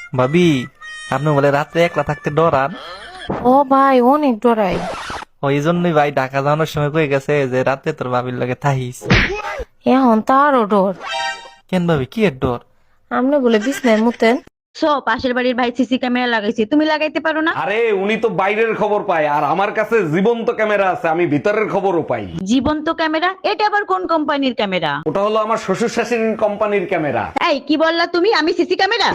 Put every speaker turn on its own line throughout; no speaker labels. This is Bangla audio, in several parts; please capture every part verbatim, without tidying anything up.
ভাবি, আপনি বলে রাত্রে একলা থাকতে ডরান?
ও ভাই অনেক ডরাই।
ওই জন্যই ভাই ঢাকা যাওয়ানোর সময় কয়ে গেছে যে রাতে তোর ভাবির লগে থাহিস।
এখন তো আরো ডর।
কেন ভাবি, কি এর ডর?
আপনি বলে বিছনায় মুতেন।
সো পাশের বাড়ির ভাই সিসি ক্যামেরা লাগাইছে, তুমি লাগাইতে পারো না?
আরে উনি তো বাইরের খবর পায়, আর আমার কাছে জীবন্ত ক্যামেরা আছে, আমি ভিতরের খবরও পাই।
জীবন্ত ক্যামেরা? এটা আবার কোন কোম্পানির ক্যামেরা?
ওটা হলো আমার শ্বশুর শাশুড়ির কোম্পানির ক্যামেরা।
এই কি বললা তুমি? আমি সিসি ক্যামেরা?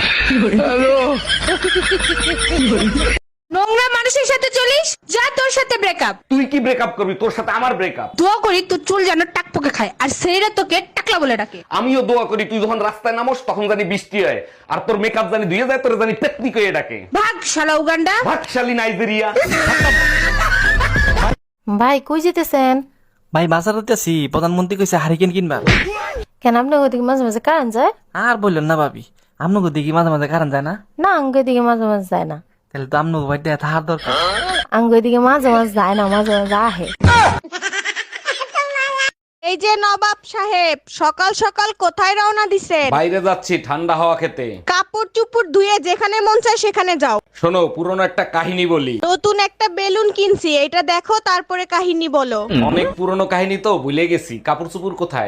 নোংরা মানুষের সাথে চলিস, যা তোর সাথে ব্রেকআপ।
তুই কি ব্রেকআপ করবি? তোর সাথে আমার ব্রেকআপ।
দোয়া করি তোর চুল যেন টাকপোকে খায়, আর সেইরা তোকে টাকলা বলে ডাকে।
আমিও দোয়া করি তুই যখন রাস্তায় নামোস তখন জানি বৃষ্টি হয়, আর তোর মেকআপ জানি ধুয়ে যায়, তোর জানি টেকনিক হয়ে ডাকে।
ভাগ শালা উগান্ডা।
ভাগশালী নাইজেরিয়া।
ভাই কই যেতেছেন?
ভাই বাজারে আছি, প্রধানমন্ত্রী কইছে হারিকেন কিনবা।
কেন আপনার ওদিকে মাঝে মাঝে কারেন্ট যায়?
আর বললেন না ভাবি, আপনাকে দিকে মাঝে মাঝে কারণ যায় না?
না আঙ্গুর দিকে মাঝে মাঝে যায় না।
তাহলে তো আপনাকে ভাই থাকার দরকার।
আঙ্গুর দিকে মাঝে মাঝে যায় না, মাঝে মাঝে আহে।
এই যে নবাব সাহেব, সকাল সকাল কোথায় রওনা দিছেন?
বাইরে যাচ্ছি ঠান্ডা হাওয়া খেতে।
কাপড় চুপড় ধুয়ে যেখানে মন চায় সেখানে যাও।
শোনো, পুরনো একটা কাহিনী বলি।
নতুন একটা বেলুন কিনছি, এটা দেখো তারপরে কাহিনী বলো।
অনেক পুরনো কাহিনী তো ভুলে গেছি। কাপড় চুপুর কোথায়?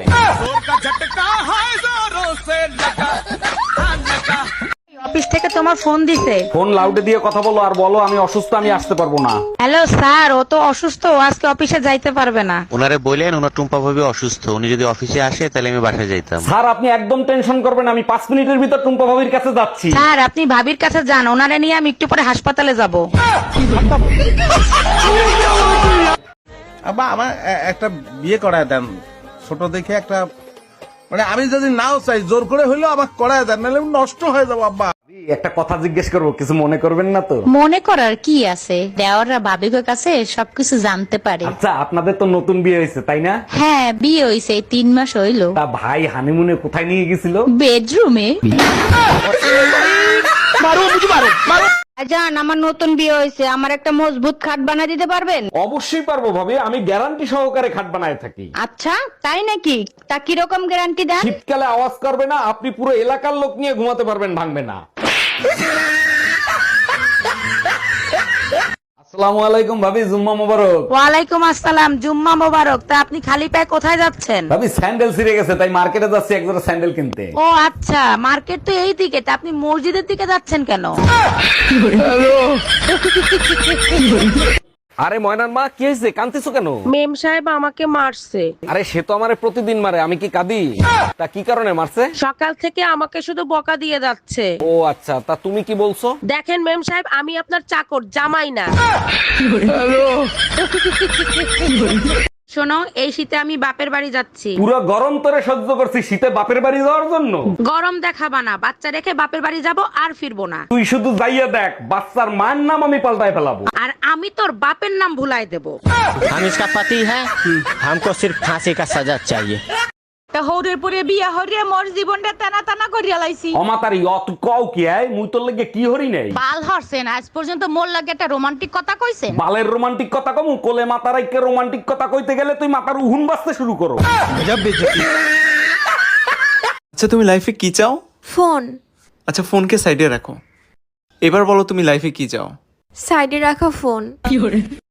অফিস থেকে তোমার ফোন দিছে।
ফোন লাউডে দিয়ে কথা বলো, আর বলো আমি অসুস্থ, আমি আসতে পারবো না।
হ্যালো স্যার, ও তো অসুস্থ, ও আজকে অফিসে যাইতে পারবে না।
ওনারে বললেন ওনার টুম্পা ভাবি অসুস্থ, উনি যদি অফিসে আসে তাহলে আমি বাসায় যাইতাম।
স্যার আপনি একদম টেনশন করবেন, আমি পাঁচ মিনিটের ভিতর টুম্পা ভাবির কাছে যাচ্ছি।
স্যার আপনি ভাবির কাছে যান, ওনারে নিয়ে আমি একটু পরে হাসপাতালে যাব।
আব্বা আমার এ- একটা বিয়ে করায় দেন, ছোট দেখে একটা, মানে আমি যদি নাও চাই জোর করে হইলেও আমাকে করায় দেন, নাহলে আমি নষ্ট হয়ে যাবো আব্বা।
একটা কথা জিজ্ঞেস করবো, কিছু মনে করবেন না তো?
মনে করার কি আছে, দেওয়াররা ভাবিকের কাছে সবকিছু জানতে পারে।
আচ্ছা, আপনাদের তো নতুন বিয়ে হয়েছে তাই না?
হ্যাঁ বিয়ে হইছে, তিন মাস হইলো।
তা ভাই হানিমুনে কোথায় নিয়ে গেছিল?
বেডরুমে।
জান, আমার নতুন বিয়ে হয়েছে, আমার একটা মজবুত খাট বানিয়ে দিতে পারবেন?
অবশ্যই পারবো ভাবি, আমি গ্যারান্টি সহকারে খাট বানায় থাকি।
আচ্ছা তাই নাকি? তা কিরকম গ্যারান্টি দেন?
শীতকালে আওয়াজ করবে না, আপনি পুরো এলাকার লোক নিয়ে ঘুমাতে পারবেন, ভাঙবে না। আসসালামু আলাইকুম ভাবি, জুম্মা মোবারক।
ওয়ালাইকুম আসসালাম, জুম্মা মোবারক। তা আপনি খালি পায়ে কোথায় যাচ্ছেন?
ভাবি স্যান্ডেল ছিঁড়ে গেছে, তাই মার্কেটে যাচ্ছি এক জোড়া স্যান্ডেল কিনতে।
ও আচ্ছা, মার্কেট তো এই দিকে, তা আপনি মসজিদের দিকে যাচ্ছেন কেন?
আরে ময়নার মা, কি হয়েছে? কাঁদতেছো কেন?
মেম সাহেব আমাকে মারছে।
আরে সে তো আমারে প্রতিদিন মারে, আমি কি কাঁদি? তা কি কারণে মারছে?
সকাল থেকে আমাকে শুধু বকা দিয়ে যাচ্ছে।
ও আচ্ছা, তা তুমি কি বলছো?
দেখেন মেম সাহেব, আমি আপনার চাকর, জামাই না।
শোনো, এই শীতে আমি বাপের বাড়ি যাচ্ছি।
পুরো গরম তোরে সহ্য করছি, শীতে বাপের বাড়ি যাওয়ার জন্য?
গরম দেখাবা না, বাচ্চা রেখে বাপের বাড়ি যাব আর ফিরবো না।
তুই শুধু যাইয়া দেখ, বাচ্চার মার নাম আমি পাল্টায় ফেলাবো।
আর আমি তোর বাপের নাম ভুলাই দেব।
हम इसका पति है, हमको सिर्फ फांसी का सजा चाहिए।
হৌরের পরে বিয়া হরিয়া মোর জীবনটা টানা টানা করিয়া লাইছি।
অমাতারি অত কও কি আয়, মুই তোর লাগে কি হরি নাই?
বাল হরছেন, আজ পর্যন্ত মোর লাগে একটা রোমান্টিক কথা কইছেন?
বালের রোমান্টিক কথা কমু? কোলে মাতার আইকে রোমান্টিক কথা কইতে গেলে তুই মাথার উহুন বাজতে শুরু করো।
আচ্ছা তুমি লাইফে কি চাও?
ফোন
আচ্ছা ফোনকে সাইডে রাখো, এবার বলো তুমি লাইফে কি চাও?
সাইডে রাখা ফোন।